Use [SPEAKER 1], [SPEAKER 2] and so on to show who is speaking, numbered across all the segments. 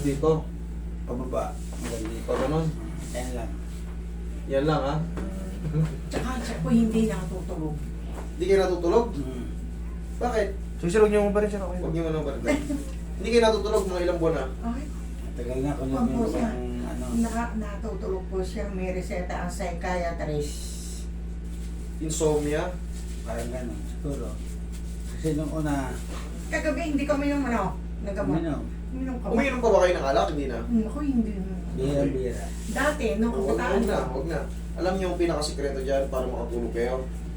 [SPEAKER 1] dito.
[SPEAKER 2] Pababa. Hanggang dito.
[SPEAKER 1] Pag ganun.
[SPEAKER 2] Ayan lang.
[SPEAKER 1] Yan lang ha.
[SPEAKER 3] Tsaka siya po hindi nakatutulog.
[SPEAKER 1] Hindi kayo natutulog? Bakit?
[SPEAKER 4] Susunod niyo mo pa rin siya. Okay.
[SPEAKER 1] Huwag niyo mo nang balikan. Hindi kayo natutulog mga ilang buwan na.
[SPEAKER 3] Ay,
[SPEAKER 2] Tagal na kung
[SPEAKER 3] Opo,
[SPEAKER 2] yung
[SPEAKER 3] sir.
[SPEAKER 2] ano.
[SPEAKER 3] natutulog po siya. May reseta ang psychiatrist.
[SPEAKER 1] Insomnia.
[SPEAKER 2] Parang gano'n. Siguro. Kasi nung una,
[SPEAKER 3] Kagabi hindi kami yung nagamot.
[SPEAKER 2] uminom.
[SPEAKER 3] Uminom ka ba?
[SPEAKER 1] Umiinom pa ba kayo ng alak? Hindi na.
[SPEAKER 3] Ako hindi.
[SPEAKER 2] Bira-bira.
[SPEAKER 3] Dati, nung
[SPEAKER 1] Huwag
[SPEAKER 3] kabataan
[SPEAKER 1] na,
[SPEAKER 3] ko.
[SPEAKER 1] huwag na. Alam niyo yung pinakasikreto dyan para makatulog kayo?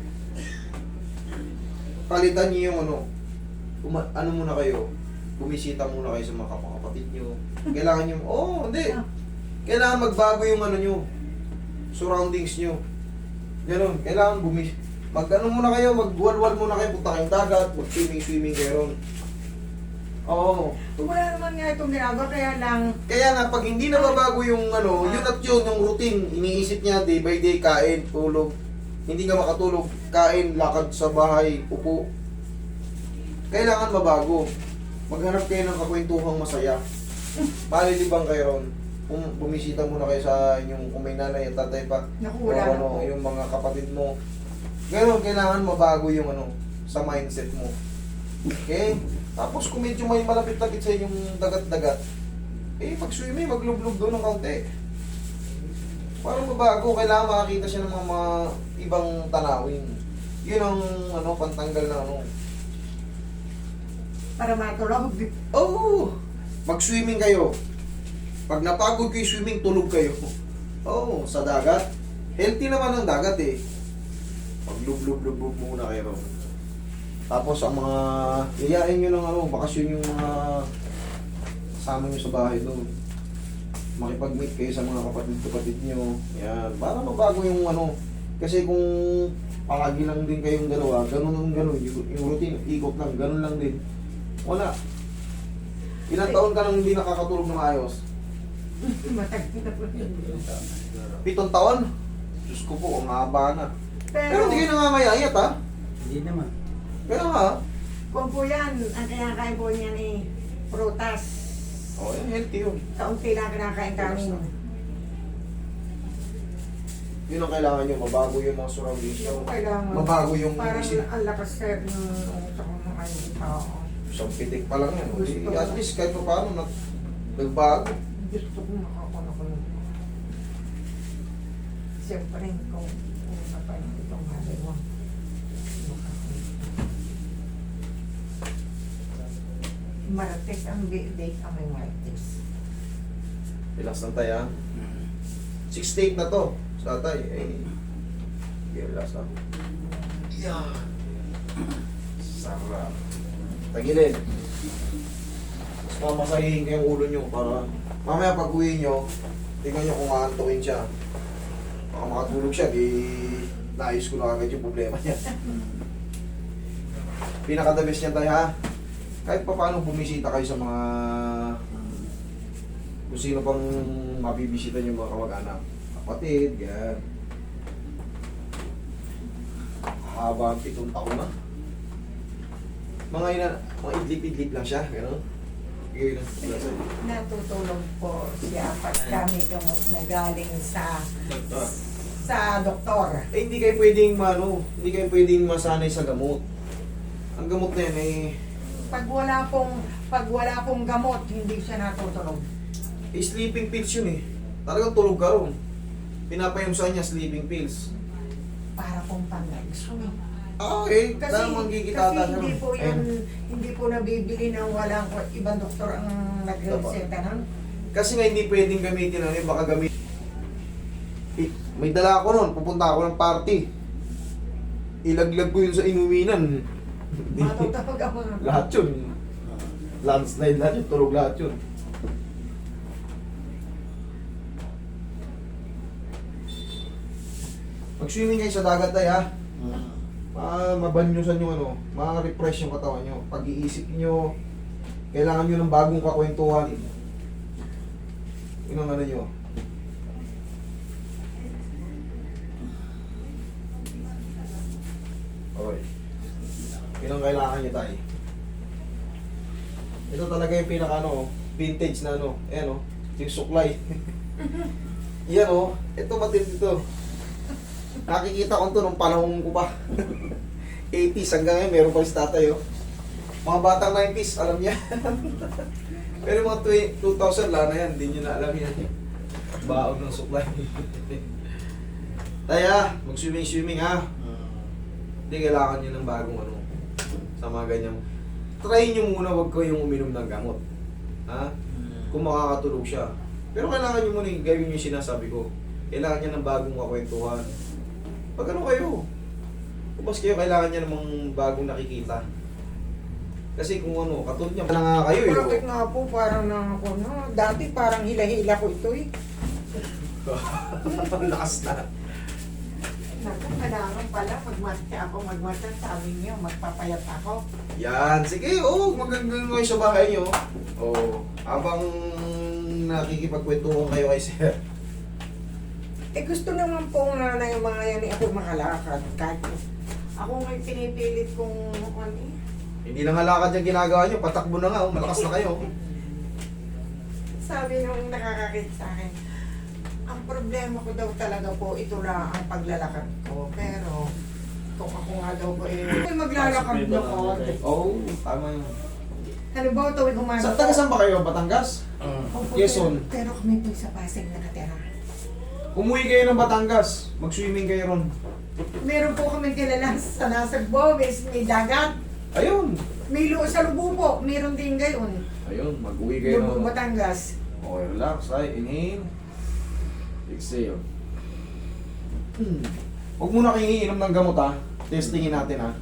[SPEAKER 1] Palitan niyo yung ano, ano muna kayo, bumisita muna kayo sa mga kapatid niyo. Kailangan niyo, hindi. Kailangan magbago yung ano niyo, surroundings niyo. Ganun, kailangan mag-ano muna kayo, magwalwal muna kayo, punta kayong dagat, mag-swimming kayo ron. Oo.
[SPEAKER 3] Wala naman nga itong ginagawa, kaya lang,
[SPEAKER 1] Kaya nga, pag hindi nababago yung ano, yun at yun, yung routine, iniisip niya day by day, kain, tulog. Hindi ka makatulog, kain, lakad sa bahay, upo. Kailangan mabago. Maghanap kayo ng kakwentuhang masaya. Malilibang kayo ron. Bumisita muna kayo sa inyong kung may nanay at tatay pa.
[SPEAKER 3] naku,
[SPEAKER 1] O
[SPEAKER 3] wala na
[SPEAKER 1] ano,
[SPEAKER 3] po.
[SPEAKER 1] yung mga kapatid mo. Ganon, kailangan mabago yung ano, sa mindset mo. Okay? Tapos kung medyo may malapit-lapit sa inyong dagat-dagat, mag-swimming, maglublog doon ng kaunti. Para mabago, kailangan makakita siya ng mga ibang tanawin. Yun ang ano, pantanggal ng ano.
[SPEAKER 3] Para matulog.
[SPEAKER 1] Mag-swimming kayo. Pag napagod kayo swimming, tulog kayo. Sa dagat. Healthy naman ang dagat eh. Maglublog-lublog muna kayo. Tapos ang mga yayain nyo ng ano, bakasyon yung mga kasama nyo sa bahay doon. Makipag-meet kayo sa mga kapatid nyo. Yan. Para mabago yung ano. Kasi kung palagi lang din kayong dalawa, ganun. Yung routine, ikot lang, ganun lang din. Wala. Ilang taon ka nang hindi nakakatulog ng ayos?
[SPEAKER 3] Matagal na po.
[SPEAKER 1] 7 taon? Diyos ko po, ang haba na. Pero
[SPEAKER 3] Pero,
[SPEAKER 1] hindi kayo nangamayayat ha?
[SPEAKER 2] Hindi naman.
[SPEAKER 1] Pero ha?
[SPEAKER 3] kung po yan, ang kinakain po niyan prutas.
[SPEAKER 1] Healthy yun.
[SPEAKER 3] Kaunti lang kinakain kanin.
[SPEAKER 1] Yun ang kailangan nyo, mabago yung mga surroundings nyo.
[SPEAKER 3] Yung kailangan.
[SPEAKER 1] Mabago yung
[SPEAKER 3] Parang
[SPEAKER 1] isip.
[SPEAKER 3] ang lakas sir ng utak ng mga tao.
[SPEAKER 1] Isang pitik pa lang yan.
[SPEAKER 3] Gusto ko.
[SPEAKER 1] At least kahit pa paano, nagbago.
[SPEAKER 3] Gusto ko makakuna ko ng siyempre kung una pa yung itong haliwa. Martes ang date ang may Martes.
[SPEAKER 1] Relax lang tayo ha. 6 na to. Sa tatay. Relax lang. Yan. Sarap. Tagilid. Tapos mamasahihin ko yung ulo nyo para mamaya pag uwi nyo, tingnan nyo kung aantukin siya. Baka makatulog siya, di naayos ko na agad yung problema niya. Pinaka-the best niya tayo ha. Kahit pa paano bumisita kayo sa mga kung sino pang mabibisita yung mga kamag-anak. Kapatid, yan. Haba ang 7 taon na. Mga idlip-idlip lang siya, gano'n. Bigay lang sila sa'yo.
[SPEAKER 3] Natutulog po siya pag kami gamot na galing sa doktor.
[SPEAKER 1] Hindi kayo pwedeng hindi kayo pwedeng masanay sa gamot. Ang gamot na yan
[SPEAKER 3] Pag wala pong gamot, hindi siya natutulog.
[SPEAKER 1] sleeping pills yun eh. Talagang tulog ka ron. Pinapayumsan niya sleeping pills.
[SPEAKER 3] Para pong pang-exume.
[SPEAKER 1] Okay, dahil manggigitata siya.
[SPEAKER 3] Hindi po nabibili ng walang ibang doktor ang nagreseta nun.
[SPEAKER 1] Kasi nga hindi pwedeng gamitin baka gamitin. May dala ako nun, pupunta ako ng party. Ilaglag ko yun sa inuminan.
[SPEAKER 3] Matutawag ang mga...
[SPEAKER 1] Lahat yun. Landslide lahat yun, tulog lahat yun. Mag-swimming kayo sa dagat tayo ha. Mabanyusan yung ma-refresh yung katawan nyo. Pag-iisip nyo, kailangan nyo ng bagong kakwentuhan. Yun ang nyo. Okay. Yun ang kailangan nyo tayo. Ito talaga yung pinaka vintage na ano, ayan o, yung suklay. Yan o, ito matindi to. Nakikita ko to nung panahon ko pa. 80s hanggang ngayon, meron pa si tatay o. Mga batang 90s, alam niya. Pero mga 2000, wala na yan, hindi nyo na alam yan. Baon ng suklay. Taya, mag-swimming ha. Hindi kailangan nyo ng bagong ano, sa mga ganyan. Try nyo muna, wag kayong uminom ng gamot. Ha? Kung makakatulog siya. Pero kailangan nyo muna gawin yung sinasabi ko. Kailangan niya ng bagong kakwentuhan. Pag ano kayo, ubas kayo, kailangan niya namang bagong nakikita. Kasi kung ano, katulad niya, wala nga kayo eh.
[SPEAKER 3] Bakit nga po parang na ako, no? Dati parang hila-hila ko ito eh.
[SPEAKER 1] Lakas na.
[SPEAKER 3] Naku, kailangan pala magmatcha. Sabi niyo, magpapayat ako.
[SPEAKER 1] Yan, sige, magandang kayo sa bahay nyo. Habang nakikipagkwentuhan kayo kay sir.
[SPEAKER 3] Eh gusto naman po nga na yung mga yan eh, ako makalakad. Kahit ako may pinipilit kong ano eh.
[SPEAKER 1] Hindi na nga lakad yung ginagawa nyo, patakbo na nga, malakas na kayo.
[SPEAKER 3] Sabi nung nakakakit sa akin, ang problema ko daw talaga po, ito lang ang paglalakad ko. Pero, kung ako nga daw po maglalakad na ko.
[SPEAKER 1] Tama yun.
[SPEAKER 3] Ano ba, tuwing umaga
[SPEAKER 1] Sa tagasan ba kayo, Batangas?
[SPEAKER 3] Opo,
[SPEAKER 1] Quezon.
[SPEAKER 3] pero kami po sa Pasig nakatira.
[SPEAKER 1] Umuwi kayo ng Batangas, mag-swimming kayo ron.
[SPEAKER 3] Meron po kami kilala sa Nasagbo, may dagat.
[SPEAKER 1] Ayun.
[SPEAKER 3] May sa Lubo po, meron din gayon.
[SPEAKER 1] Ayun, mag-uwi kayo
[SPEAKER 3] Lubo,
[SPEAKER 1] ng...
[SPEAKER 3] Batangas.
[SPEAKER 1] Okay, relax. Ay, inhale. Exhale. Huwag muna kayong iinom ng gamot ha. Testingin natin ha.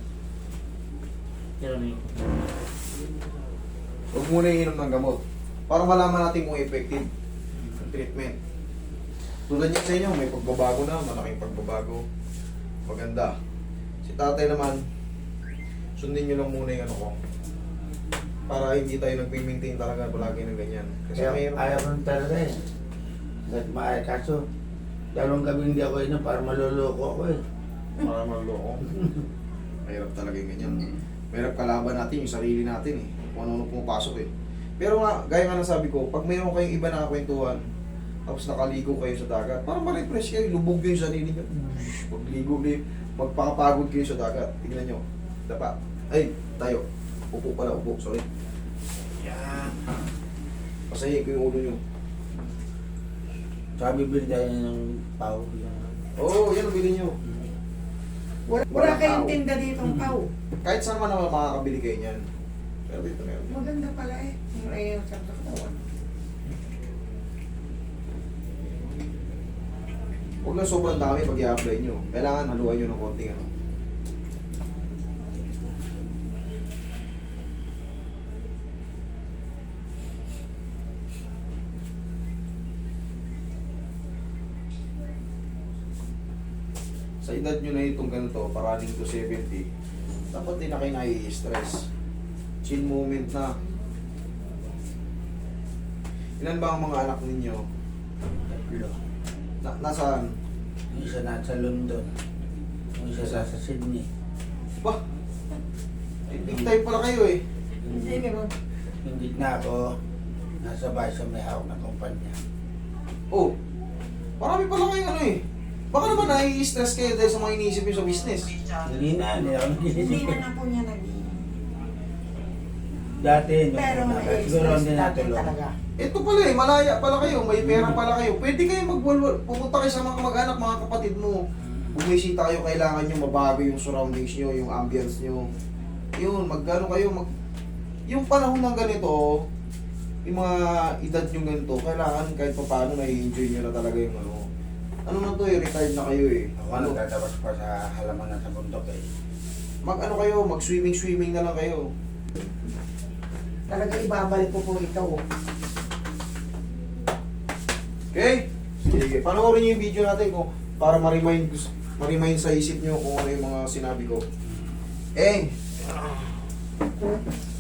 [SPEAKER 1] Huwag muna iinom ng gamot. Para malaman natin kung effective ang treatment. Tulad niya sa inyo, may pagbabago na, malaking pagbabago. Maganda. Si tatay naman, sundin nyo lang muna yung ano ko. Para hindi tayo nag-maintain talaga palagi ng ganyan. Kasi
[SPEAKER 2] Kaya
[SPEAKER 1] mayroon.
[SPEAKER 2] ayaw ko talaga eh. Kahit maaya, kaso dalawang gabi hindi ako inom para maluloko ako eh.
[SPEAKER 1] Para maloko. Mahirap talaga yung ganyan. Mahirap kalaban natin yung sarili natin eh. Kung ano-ano pumapasok eh. Pero nga, gaya nga nasabi ko, pag mayroon kayong iba na kwentuhan, tapos nakaligo kayo sa dagat, parang ma-refresh kayo, lubog kayo sa sarili nyo. Magligo kayo, magpakapagod kayo sa dagat. Tignan nyo. Dapa. Ay, tayo. Upo pala, upo. Sorry. Yan. Pasahin ko yung ulo nyo.
[SPEAKER 2] Sabi bibili tayo ng pau.
[SPEAKER 1] Oo, yan ang bilhin nyo.
[SPEAKER 3] Wala kayong tinda dito ang pau.
[SPEAKER 1] Kahit saan man naman makakabili kayo niyan. Pero dito meron.
[SPEAKER 3] Maganda pala eh. Yung ayun sa katawan.
[SPEAKER 1] Huwag lang sobrang dami pag i-apply nyo. Kailangan haluan nyo ng konting ano. Sa edad nyo na itong ganito, parating to 70, dapat din na kayo nai-stress. Chill moment na. Ilan ba ang mga anak ninyo?
[SPEAKER 2] Tatlo.
[SPEAKER 1] Nasaan?
[SPEAKER 2] Yung isa nasa London. Yung isa nasa Sydney.
[SPEAKER 1] Bah! Big time pala kayo eh.
[SPEAKER 3] Hindi naman.
[SPEAKER 2] Yung gitna ko, nasa bahay sa may hawak na kumpanya.
[SPEAKER 1] Oh, marami pala kayong ano eh. Baka naman nai-stress kayo dahil sa mga iniisip nyo sa business.
[SPEAKER 2] Hindi na ako
[SPEAKER 3] Hindi
[SPEAKER 2] nagising.
[SPEAKER 3] na nga po niya naging.
[SPEAKER 2] Dati,
[SPEAKER 3] Pero
[SPEAKER 2] nung una, siguro
[SPEAKER 3] na-stress
[SPEAKER 2] hindi
[SPEAKER 3] dati
[SPEAKER 2] natulog.
[SPEAKER 3] talaga.
[SPEAKER 1] Ito pala eh, malaya pala kayo, may pera pala kayo. Pwede kayo pumunta kayo sa mga kamag-anak, mga kapatid mo. Bumisita kayo, kailangan nyo mabago yung surroundings nyo, yung ambience nyo. Yun, magkano kayo, yung panahon ng ganito, yung mga edad nyo ganito, kailangan kahit pa paano na-enjoy nyo na talaga yung ano. Ano na to eh, retired na kayo eh.
[SPEAKER 2] Ako nagtatabas pa sa halaman sa bundok eh.
[SPEAKER 1] Mag-ano kayo, mag-swimming na lang kayo.
[SPEAKER 3] Talaga ibabalik ko po ito.
[SPEAKER 1] Okay? Sige, panoorin niyo yung video natin kung para ma-remind sa isip niyo kung ano yung mga sinabi ko. Eh!